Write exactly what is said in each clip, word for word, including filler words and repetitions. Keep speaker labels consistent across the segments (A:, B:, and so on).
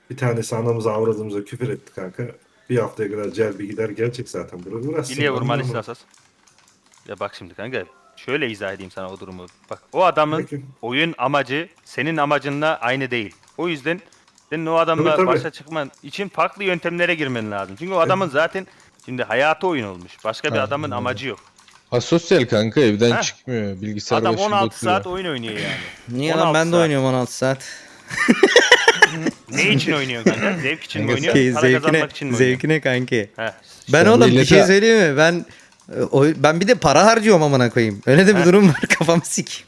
A: Bir tanesi anamıza avradımıza küfür etti kanka. Bir haftaya kadar celbi gider gelecek zaten. Buraya uğraşsın.
B: Bilye
A: Ben
B: vurma
A: de
B: liste
A: anlamadım.
B: asas. Ya bak şimdi kanka. Şöyle izah edeyim sana o durumu. Bak o adamın
A: Peki.
B: oyun amacı senin amacınla aynı değil. O yüzden senin o
A: Tabii
B: adamla
A: tabii.
B: başa çıkman için farklı yöntemlere girmen lazım. Çünkü o adamın zaten şimdi hayatı oyun olmuş. Başka bir adamın
C: Aynen öyle.
B: amacı yok.
C: Asosyal kanka, evden
B: Heh.
C: çıkmıyor. Bilgisayar
B: Adam
C: başında
B: on altı
C: oturuyor.
B: saat oyun oynuyor yani.
D: Niye lan,
B: on altı
D: ben de
B: saat.
D: oynuyorum on altı saat.
B: Ne için oynuyorsun kanka? Zevk için mi
C: Kanka
B: oynuyorsun?
D: Ki
B: Para
D: zevkine,
B: kazanmak için mi oynuyorsun?
D: zevkine kanki.
B: Heh.
D: Ben
C: İşte
D: oğlum bir
C: millete-
D: şey söyleyeyim mi? Ben e, o, ben bir de para harcıyorum amına koyayım. Öyle de bir
B: Heh.
D: durum var, kafamı sik.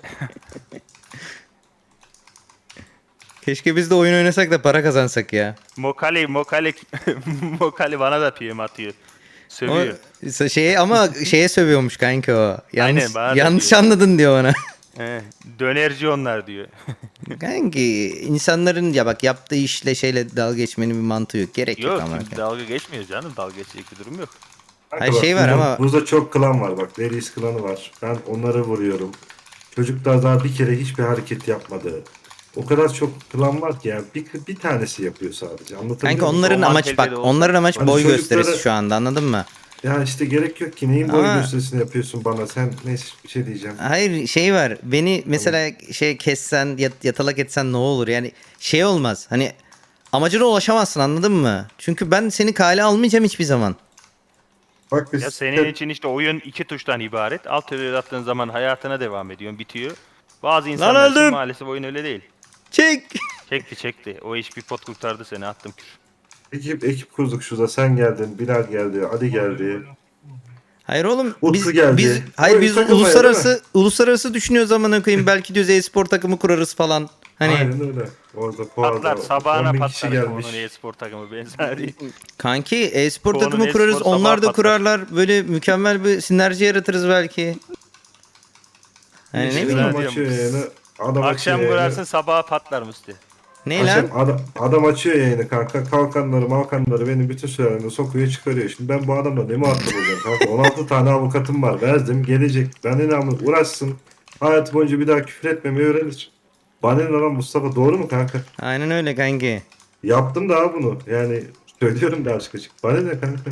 D: Keşke biz de oyun oynasak da para kazansak ya.
B: Mokali, Mokali, Mokali bana da P M atıyor.
D: O,
B: Sövüyor.
D: şey ama şeye sövüyormuş kanka o. Yanlış,
B: Aynen, bana da
D: yanlış
B: diyor.
D: anladın diyor bana.
B: He, dönerci onlar diyor.
D: Kanki insanların ya bak yaptığı işle şeyle dalga geçmenin bir mantığı yok. Gerek yok,
B: Yok
D: ama.
B: şimdi dalga geçmiyor canım. Dalga geçecek bir durum yok.
A: Kanka
D: Hayır,
A: bak,
D: şey var
A: buzda,
D: ama-
A: Buzda çok klan var bak. Veris klanı var. Ben onları vuruyorum. Çocuklar daha bir kere hiçbir hareket yapmadı. O kadar çok klan var ki yani bir, bir tanesi yapıyor sadece. Anlatabiliyor
D: Kanka
A: muyum?
D: onların
B: Normal
D: amaç bak
B: kalitede olsa-
D: onların amaç
A: Hani
D: boy
A: çocukları-
D: gösterisi şu anda, anladın mı?
A: Ya işte gerek yok ki. Neyin boy
D: Ama-
A: gösterisini yapıyorsun bana? Sen neyse bir şey diyeceğim.
D: Hayır, şey var. Beni mesela şey kessen, yat- yatalak etsen ne olur? Yani şey olmaz. Hani amacına ulaşamazsın, anladın mı? Çünkü ben seni kale almayacağım hiçbir zaman.
A: Bak biz
B: Ya senin için işte oyun iki tuştan ibaret. Alt tere attığın zaman hayatına devam ediyorsun, bitiyor. Bazı insanlar için
D: öldüm.
B: maalesef oyun öyle değil.
D: Çek.
B: Çekti çekti. O iş bir pot kurtardı seni, attım kür.
A: ekip, ekip kurduk şurada. Sen geldin, Bilal geldi, Ali geldi.
D: Hayır oğlum,
A: Utku
D: biz
A: geldi.
D: biz hayır
A: Oyun
D: biz
A: takılmaya, değil
D: uluslararası uluslararası düşünüyoruz, amına koyayım. Belki diyoruz e-spor takımı kurarız falan. Hani
A: Aynen öyle. Orada
B: Patlar,
A: Fuar'da
B: sabahına
A: on bin kişi
B: patlar
A: gelmiş.
B: onun e-spor takımı benzeri.
D: kanki e-spor
B: Çoğunun
D: takımı
B: e-spor
D: kurarız.
B: sabah
D: Onlar da
B: patlar.
D: kurarlar. Böyle mükemmel bir sinerji yaratırız belki. Hani ne
A: İşte
D: bileyim.
A: Adam açıyor yayını. Adam
B: Akşam
A: açıyor
B: kurarsın,
A: yayını.
B: sabaha patlar Musti.
D: Ne lan?
A: Akşam adam, adam açıyor yayını kanka. Kalkanları malkanları benim bütün sürelerinde sokuyor çıkarıyor. Şimdi ben bu adamla ne muhatap olacağım kanka? on altı tane avukatım var. Verdim gelecek. Ben de namı uğraşsın. Hayat boyunca bir daha küfür etmemeyi öğrenir. Bana ne lan Mustafa, doğru mu kanka?
D: Aynen öyle kanki.
A: Yaptım daha bunu. Yani söylüyorum da açık açık. Bana ne kanka?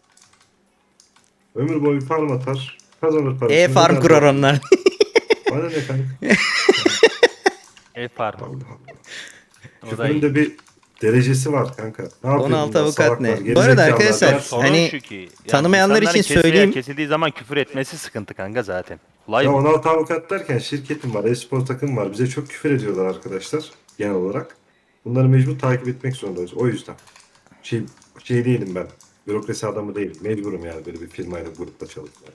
A: Ömür boyu farm atar. Kazanır parasını.
D: E-farm
A: gider
D: kurar
A: de-
D: onlar.
A: Bana ne kanka?
B: E-farm.
A: Allah Allah.
B: O da iyi.
A: Küfürün de bir derecesi var kanka. Ne yapıyor
D: on altı
A: bunlar,
D: avukat
A: salaklar,
D: ne?
A: gerizekalılar
D: Bu arada
A: ya.
D: arkadaşlar,
B: Ya sorun
D: hani
B: şu ki, yani
D: tanımayanlar
B: insanların
D: için
B: kes-
D: söyleyeyim.
B: Kesildiği zaman küfür etmesi sıkıntı kanka zaten. Olay
A: Ya
B: bu.
A: on altı avukat derken şirketim var, e-spor takım var. Bize çok küfür ediyorlar arkadaşlar genel olarak. Bunları mecbur takip etmek zorundayız. O yüzden. Şey, şey değilim ben. Bürokrasi adamı değilim. Mecburum yani böyle bir firmayla, grupla çalışmaya.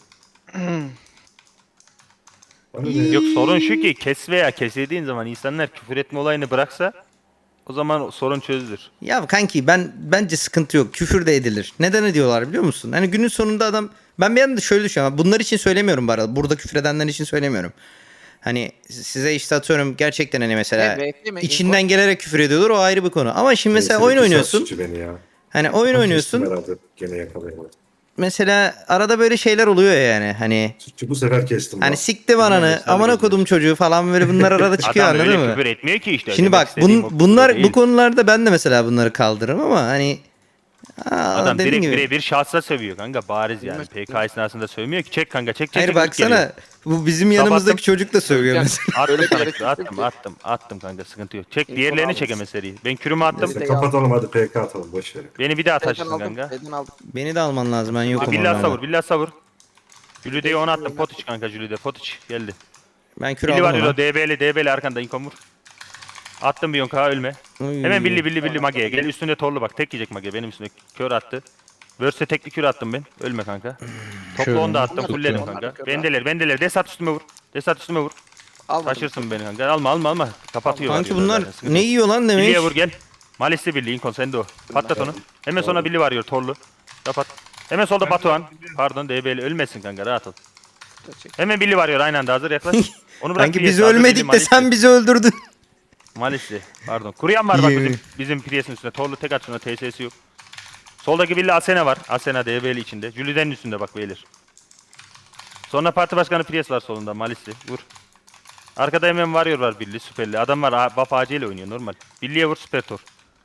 A: Bana ne?
B: Yok sorun şu ki kes veya kesildiğin zaman insanlar küfür etme olayını bıraksa o zaman sorun çözülür.
D: Ya kanki, ben bence sıkıntı yok. Küfür de edilir. Neden ediyorlar biliyor musun? Hani günün sonunda adam, ben bir yanda şöyle düşünüyorum. Bunlar için söylemiyorum bu arada. Burada küfür edenler için söylemiyorum. Hani size işte atıyorum gerçekten, hani mesela
E: Ne, bekleme,
D: içinden gelerek küfür ediyorlar, o ayrı bir konu. Ama şimdi mesela
A: Neyse,
D: oyun
A: iki
D: oynuyorsun.
A: saat suçu beni ya.
D: Hani oyun
A: Kestim
D: oynuyorsun.
A: herhalde. Gene yakalayamadım.
D: Mesela arada böyle şeyler oluyor ya yani. Hani
A: Suçu bu sefer kestim.
D: hani
A: bak.
D: siktim ananı,
B: Bilmiyorum,
D: amına
B: sadece
D: kodum çocuğu falan, böyle bunlar arada çıkıyor,
B: Adam
D: anladın
B: öyle
D: mı?
B: küfür etmiyor ki işte.
D: Şimdi
B: Demek
D: bak
B: istediğim
D: bun,
B: o
D: bunlar
B: değil.
D: bu konularda ben de mesela bunları kaldırırım ama hani aa,
B: Adam
D: dediğim
B: direkt
D: gibi.
B: birebir şahsa sövüyor kanka, bariz yani. P K esnasında sövmüyor ki, çek kanka, çek çek.
D: Hayır
B: çek,
D: baksana,
B: geliyor.
D: bu bizim
B: Sabahtım.
D: yanımızdaki çocuk da sövüyor
E: Ya,
D: mesela.
B: Attım
E: Öyle bir
B: sana
E: yere
B: kürü, attım
E: kestim ki.
B: attım attım kanka, sıkıntı yok. Çek
E: İlk
B: diğerlerini
E: onu
B: çek
E: aldım.
B: hemen seriyi. Ben kürümü attım.
A: Neyse
E: de
A: kapatalım hadi, P K atalım boş ver.
B: Beni bir daha
E: Beden
B: taşırsın
E: aldım,
B: kanka.
E: beden aldım.
D: Beni de alman lazım, ben yokum
B: Billah savur,
D: onlarda.
B: billah savur. Jülide'yi ona attım. Potiç kanka, Jülide. Potiç geldi.
D: Ben kür
B: Billi
D: aldım
B: var
D: ona.
B: yolo, D B'li, D B'li arkanda inkom vur. Attım bir yonka, ölme.
D: Oy.
B: Hemen billi billi billi Mage'ye. Gel üstünde torlu bak. Tek yiyecek Mage. Benim üstüne kör attı. Verse tekli kür attım ben. Ölme kanka. Toplu onu da attım.
E: Onlar
B: Fulledim
E: kör,
B: kanka.
E: onlar kör.
B: Bendeler bendeler. Desat üstüme vur. Desat üstüme vur.
E: Almadım.
B: Taşırsın beni kanka. Alma alma alma. Kapatıyor.
D: Kanki
B: varıyorlar
D: bunlar
B: zaten, sıkıntı
D: ne
B: yok.
D: yiyor lan demiş.
B: Billiye vur gel. Malisli billi. İnkon sende o. Patlat onu. Hemen sonra billi varıyor torlu. Kapat. Hemen solda Batuhan. Pardon D B'li. Ölmesin kanka, rahat ol. Hemen billi varıyor aynı anda, hazır yaklaş. Onu bırak.
D: Kanki
B: Billiye,
D: biz
B: sağda billi,
D: ölmedik de
B: Malisli.
D: sen bizi öldürdün.
B: Malisli. Pardon. Kuruyan var bak
D: Yemin.
B: bizim bizim Prius'un üstünde. Torlu tek at şuna, T S'si yok. Soldaki villa Asena var. Asena D B'li içinde. Jülide'nin üstünde bak beyler. Sonra parti başkanı Prius var solunda. Malisli. Vur. Arkada hemen varıyor var Billy süperli. Adam var, buff A C ile oynuyor normal. Billy'ye vur, süper tor.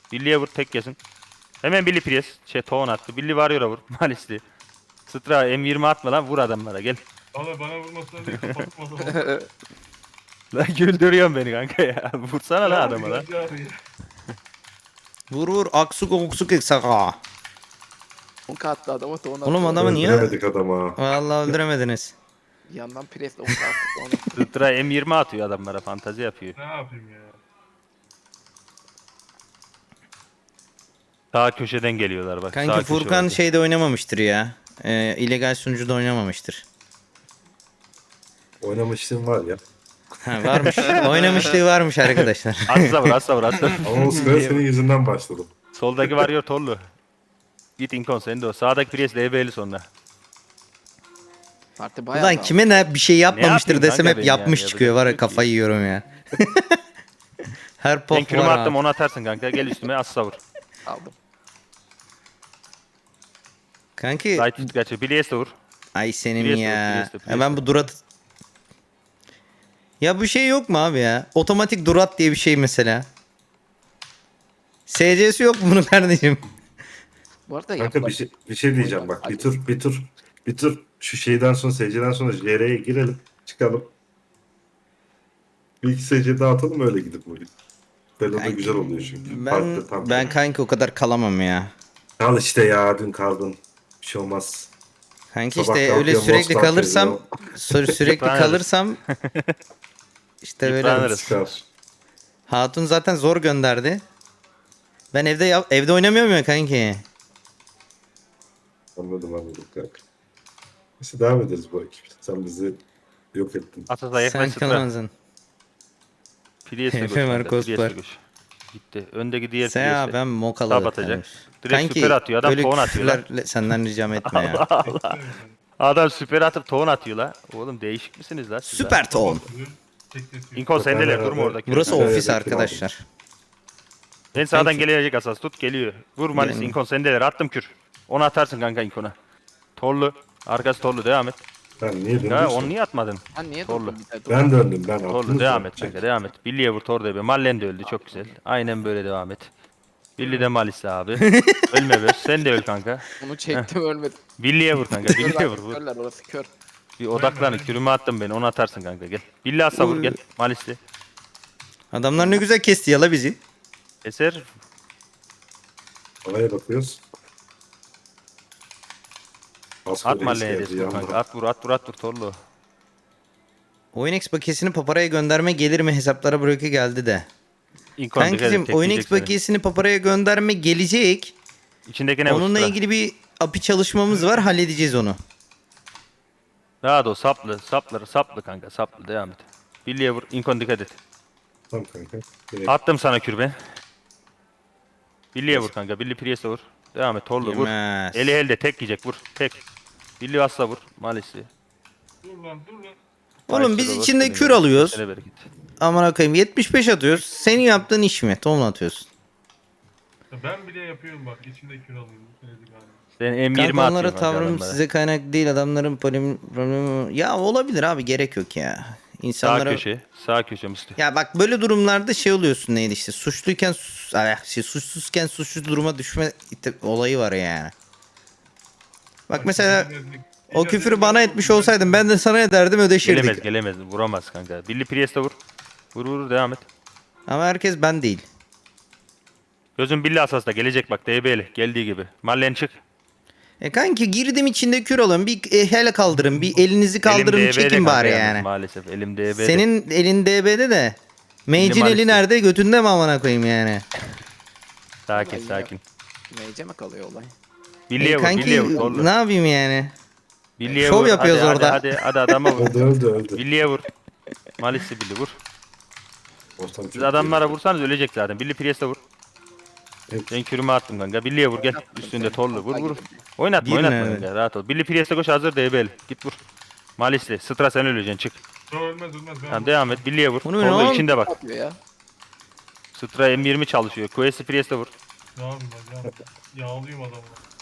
B: Billy'ye vur tek kesin. Hemen Billy Priest. Şey Toğun attı. Billy Warrior'a vur. Malisli. Stra M yirmi atma lan vur adamlara gel.
E: Bana bana vurmasına değil kapatmasına.
B: Lan güldürüyorsun beni kanka ya. Vursana lan adama lan.
D: Vur vur aksuk oksuk eksaka.
F: Onka attı adama da ona
D: Oğlum
F: attı.
D: adamı niye?
A: Öldüremedik adama.
D: Vallahi öldüremediniz.
F: Bir yandan presle onka attı ona.
B: Stra M yirmi atıyor adamlara. Fantazi yapıyor.
E: Ne yapayım ya?
B: Sağ köşeden geliyorlar bak. sağ
D: Kanki
B: köşe
D: Furkan
B: orada.
D: şeyde oynamamıştır ya. Ee, illegal sunucuda oynamamıştır.
A: Oynamışlığım var ya.
D: Ha, varmış. Oynamışlığı varmış arkadaşlar.
B: Asla vur asla vur asla.
A: Ama o sıra senin yüzünden başladım.
B: Soldaki Warrior Torlu. Git Inkon sen de o. Sağdaki Priest L B'li sonra.
F: Parti bayağı
D: Ulan
F: dağıldı.
D: kime ne bir şey yapmamıştır
B: yapayım
D: desem
B: kanka
D: hep
B: ben
D: yapmış
B: yani,
D: çıkıyor. Var ya
B: yapacak bir şey
D: kafayı yiyorum ya. Her
B: Ben
D: pop
B: kürümü
D: var
B: attım
D: ha.
B: onu atarsın kanka. Gel üstüme asla vur.
F: Aldım.
D: Kanki
B: Light tut gerçi. Billy'ye de vur.
D: ay senin
B: Priest
D: ya.
B: yok, Priest yok, Priest
D: Hemen
B: yok.
D: bu durat. Ya bu şey yok mu abi ya? Otomatik durat diye bir şey mesela. S C'si yok mu bunun kardeşim?
F: Bu arada
A: Kanka
F: yapma.
A: bir şey, bir şey diyeceğim bak. Bir tur bir tur bir tur şu şeyden sonra S C'den sonra J R'ye girelim. Çıkalım. Bir iki S C daha atalım öyle gidip bugün. Böyle de
D: Kanki,
A: güzel oluyor çünkü.
D: Ben
A: Farklı, tam.
D: ben kanki o kadar kalamam ya.
A: Kal işte ya dün kaldın. Bir şey olmaz.
D: Kanki
A: Sabah
D: işte öyle
A: kalkıyor,
D: sürekli
A: Mostar
D: kalırsam
A: veriyor.
D: sü- sürekli
B: Yıpranırız.
D: kalırsam işte böyle
B: Yıpranırız.
D: olur.
A: Çıkar.
D: Hatun zaten zor gönderdi. Ben evde yap- evde oynamıyorum ya kanki.
A: Anladım anladım kanka. Neyse devam ederiz bu ekip. Sen bizi yok ettin.
B: Asas'a yaklaş
D: Sen
B: Stra.
D: kalamazsın.
B: Priest'e koş.
D: Efe
B: kanka,
D: Marcos
B: Priest'e
D: var.
B: koş. Gitti. Öndeki diğer
D: Sen ya
B: Priest'e.
D: ben mokalı.
B: Tab atacak. Direkt süper atıyor. Adam
D: böyle
B: puan atıyor lan.
D: küfürlerle senden ricam etme ya.
B: Adam süper atıp toğun atıyor la. Oğlum değişik misiniz la siz? la?
D: Süper ton.
E: Tekletiyor.
B: Inkon sendeler
A: Beraber-
B: durma orada.
D: Burası
A: Evet,
D: ofis
A: evet,
D: arkadaşlar.
B: En sağdan
D: Kanki.
B: gelecek asas tut geliyor. Vur Malis
D: Yani.
B: Inkon sendeler attım kür. Onu atarsın kanka Inkon'a. Torlu. Arkası torlu devam et.
A: Ben niye döndüm?
B: Ya onu niye atmadın?
F: Ben niye
B: Torlu.
F: durdum bir de?
A: Ben döndüm ben.
B: Torlu
A: Aklınız
B: devam
A: yok.
B: et kanka devam et. Billy'ye vur Torlu'ya be. Mallen de öldü çok güzel. Aynen böyle devam et. Billy de Malis abi. Ölme be. Sen de öl kanka.
F: Onu çektim ölmedim.
B: Billy'ye vur kanka.
F: Kör
B: Billy'ye vur.
F: zaten,
B: vur.
F: körler orası kör.
B: Bir odaklanın. Kürümü attım beni. Onu atarsın kanka gel. Billy asla vur gel. Malis'li.
D: Adamlar ne güzel kesti yala bizi.
B: Eser.
A: Oraya bakıyoruz. Asker
B: At
A: reis
B: Mallen'e
A: geldi
B: destur
A: yandan.
B: kanka. At vur at vur at vur Torlu.
D: Oyunex bakiyesini paparaya gönderme gelir mi hesaplara bloke geldi de.
B: Inkon dikkat et,
D: Kankicim
B: tekleyecek
D: Oyunex
B: seni.
D: bakiyesini paparaya gönderme gelecek.
B: İçindeki ne vur
D: Onunla
B: Stra?
D: ilgili bir A P I çalışmamız var, halledeceğiz onu.
B: Rahat ol saplı saplı saplı kanka saplı devam et. Billy'ye vur Inkon dikkat et.
A: Tamam kanka. Direkt
B: Attım sana kür ben. Billy'ye vur kanka. Billy Priest'e vur. Devam et Torlu vur.
D: Yemez.
B: Eli elde tek yiyecek vur. Tek. Billy asla vur. Maalesef.
E: Dur lan dur lan.
D: Oğlum biz
B: Ayşe de
D: içinde
B: vur,
D: kür
B: seni
D: alıyoruz.
B: seni bereket.
D: Aman koyayım yetmiş beş atıyoruz. Senin yaptığın iş mi? Tomla atıyorsun.
E: Ya ben bile yapıyorum bak içinde kür alıyorum. Bu senedik abi.
B: Sen M yirmi
D: Kanka onlara
B: atıyorsun kanka
D: tavrım
B: adamlara.
D: size kaynak değil, adamların problemi, problemi... Ya olabilir abi, gerek yok ya.
B: Sağ
D: İnsanlara...
B: köşe. Sağ köşe Mustafa.
D: Ya bak böyle durumlarda şey oluyorsun, neydi işte suçluyken sus- ay, şey, suçsuzken suçlu duruma düşme ite- olayı var yani. Bak mesela o küfürü bana etmiş olsaydın ben de sana ederdim, ödeşirdik.
B: Gelemez gelemez. Vuramaz kanka. Billy Priest'e vur. Vur vur devam et.
D: Ama herkes ben değil.
B: Gözün Billy asasda gelecek bak D B'li. Geldiği gibi. Mallen çık.
D: E kanki girdim içinde kür alın, bir e, hele kaldırın, bir elinizi kaldırın,
B: Elim D B'de
D: çekin
B: kanka
D: bari
B: yalnız
D: yani.
B: Maalesef elim D B'de.
D: Senin elin D B'de de Mage'in eli
B: maalesef.
D: nerede, götünde mi amına koyayım yani.
B: Sakin
F: Vallahi
B: sakin.
F: Meyce mi kalıyor olay?
B: Billy'ye
D: E
B: vur.
D: kanki
B: Billy'ye vur. Torlu.
D: ne yapayım yani.
B: Billy'ye
D: Şov
B: vur.
D: yapıyoruz
B: hadi,
D: orada.
B: Hadi hadi, hadi adama vur.
A: öldü öldü öldü.
B: Billy'ye vur. Malisli Billy vur.
A: Ortam
B: Siz
A: çok
B: adamlara vursanız ölecek zaten. Billy Priest'e vur.
A: Evet.
B: Ben kürümü attım kanka. Billy'ye vur gel. Üstünde Torlu. Vur vur. Oynatma
D: Girin
B: oynatma
D: evet.
B: kanka. Rahat ol. Billy Priest'e koş hazır D B'li. Git vur. Malisli. Stra sen öleceksin çık.
E: Yo, ölmez ölmez. Ben
B: Tamam devam et. Billy'ye vur.
D: Onu
B: Torlu
D: ne
B: içinde bak.
F: Atıyor ya.
B: Stra M yirmi çalışıyor. Quest'i Priest'e vur.
E: Ne yapayım ben ya? Yağlıyım adamı.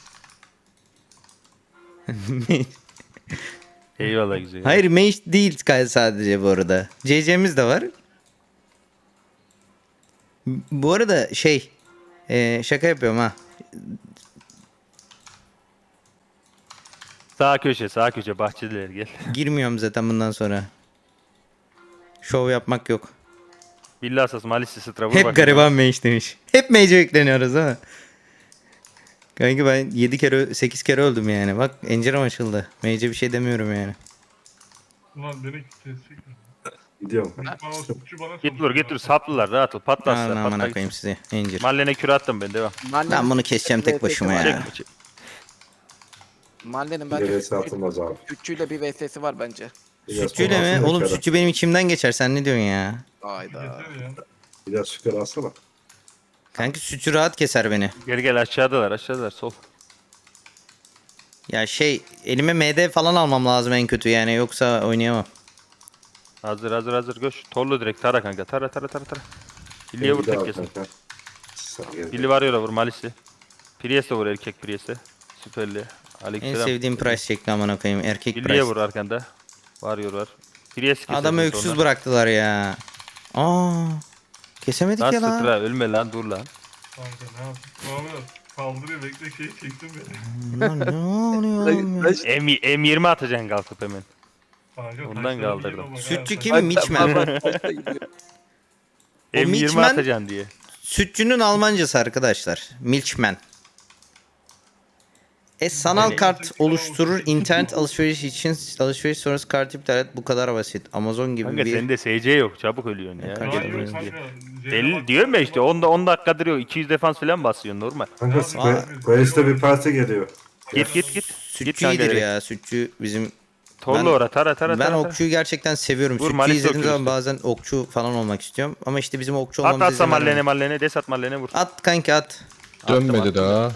B: Eyvallah güzel.
D: Hayır mage değil sadece bu arada. C C'miz de var. Bu arada şey Ee, şaka yapıyorum ha.
B: Sağ köşe sağ köşe bahçeliler gel.
D: Girmiyorum zaten bundan sonra. Şov yapmak yok.
B: Billi asas malisi sıtra vur
D: Hep
B: bakayım.
D: gariban mage demiş. Hep mage'e yükleniyoruz ha. Kanka ben yedi kere sekiz kere öldüm yani. Bak encerem açıldı. Mage'e bir şey demiyorum yani.
E: Ulan beni kesecek.
A: Gidiyorum.
E: Bana suçu bana
B: Git vur git vur saplılar rahat ol patlasın.
D: Aman amına
B: patlar.
D: koyayım sizi. Encir.
B: Mallene küre attım ben devam.
D: Ben bunu keseceğim tek başıma ya.
B: Çekme çek.
F: Mahallenin
A: Bir
F: bence
A: de satılmaz abi.
F: Sütçüyle bir V S'si var bence.
A: Biraz
D: Sütçüyle
A: sonra
D: mi?
A: alsana
D: Oğlum
A: yukarı.
D: sütçü benim içimden geçer. Sen ne diyorsun ya?
F: Hayda.
E: Yeter ya.
A: Biraz şükür alsana.
D: Kanki sütçü rahat keser beni.
B: Gel gel aşağıdalar aşağıdalar sol.
D: Ya şey elime M D falan almam lazım en kötü yani. Yoksa oynayamam.
B: Hazır hazır hazır göş. Torlu direkt tara kanka tara tara tara tara. Billiye vur
A: Bir daha
B: tek kesin.
A: kanka. Sen gel.
B: Billi var yola vur malisi. Priest'e vur erkek Priest'e. Süperli.
D: En
B: Aleykümselam.
D: sevdiğim price şekli amına koyayım. Erkek
B: Billiye
D: price.
B: vur arkanda. Var var. Priest kesersin
D: Adamı öksüz
B: sonra.
D: bıraktılar ya. Aa. Kesemedik
B: Lan
D: ya lan.
B: sıtıra ölme lan dur lan.
E: Kanka ne yapayım? Muhammed kaldırıyor bekle şeyi çektim beni.
D: Lan ne oluyor oğlum ya?
B: M, M yirmi atacaksın kalkıp hemen.
E: Kanka,
B: Ondan
E: taşlara
B: kaldırdım.
E: geliyor bak ha.
D: Sütçü kim? Mitchman.
B: M yirmi
D: Mitchman-
B: atacaksın diye.
D: Sütçünün Almancası arkadaşlar. Milchman. E sanal
B: Öyle.
D: kart oluşturur. İnternet alışveriş için alışveriş sonrası kart iptal et. Bu kadar basit. Amazon gibi
B: Kanka
D: bir...
B: sende S C yok çabuk ölüyorsun ya.
D: kanka,
B: Gel
E: Hayır
B: buraya
E: kanka.
B: diye.
E: Zeynep
B: Deli
E: bak-
B: diyorum ya işte onda on dakikadır yok iki yüz defans falan basıyorsun normal.
A: Kanka Square- Squares'te bir parti geliyor.
B: Git git git. Git
D: Sütçü
B: kanka
D: iyidir
B: direkt.
D: ya. Sütçü bizim...
B: Torlu
D: Ben-
B: ora tara tara
D: Ben
B: tara. tara.
D: okçuyu gerçekten seviyorum.
B: Vur,
D: Sütçüyü
B: Malis'te
D: izlediğim zaman
B: okuyorsun.
D: bazen okçu falan olmak istiyorum. Ama işte bizim okçu
B: At
D: olmamız
B: atsa
D: izin
B: mallene
D: vermiyor.
B: mallene des at mallene vur.
D: At kanki at.
C: Dönmedi daha.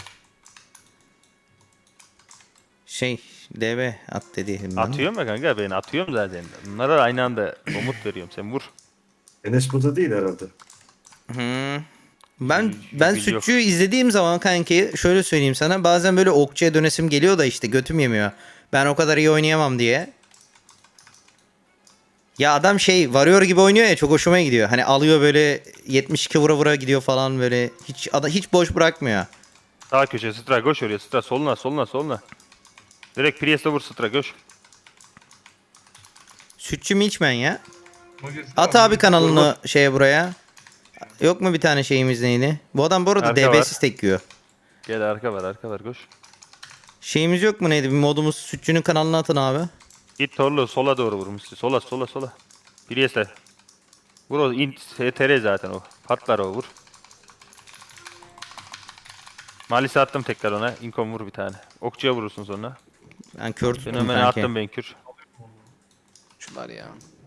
D: Şey D B at dedi. ben.
B: Atıyorum ya kanka ben atıyorum zaten. Bunlara da aynı anda komut veriyorum sen vur.
A: Enes burada değil herhalde.
D: Hı. Ben
B: Hiç
D: ben
B: bilgi yok.
D: sütçüyü izlediğim zaman kanki şöyle söyleyeyim sana bazen böyle okçuya dönesim geliyor da işte götüm yemiyor. Ben o kadar iyi oynayamam diye. Ya adam şey Warrior gibi oynuyor ya çok hoşuma gidiyor. Hani alıyor böyle yetmiş iki vura vura gidiyor falan böyle hiç ada hiç boş bırakmıyor.
B: Sağ köşe sıra koş oraya sıra soluna soluna soluna. Direkt Priest'e vur sıra koş.
D: Sütçü Milchman ya.
E: Magazin
D: At
E: var,
D: abi
E: magazin-
D: kanalını şeye buraya. Yok mu bir tane şeyimiz neydi? Bu adam bu arada
B: Arka
D: D
B: var.
D: B'siz tekiyor.
B: Gel arka var arka var koş.
D: Şeyimiz yok mu neydi? Bir modumuz sütçünün kanalına atın abi.
B: Git Torlu sola doğru vurmuş. Sola sola sola. Priest'e. Vur o in S T R zaten o. Patlar o vur. Malisi attım tekrar ona. İnkom vur bir tane. Okçuya vurursun sonra.
D: Ben kör tuttum
B: Fenomeni
D: kanki.
B: attım ben kür.
F: Şunlar ya.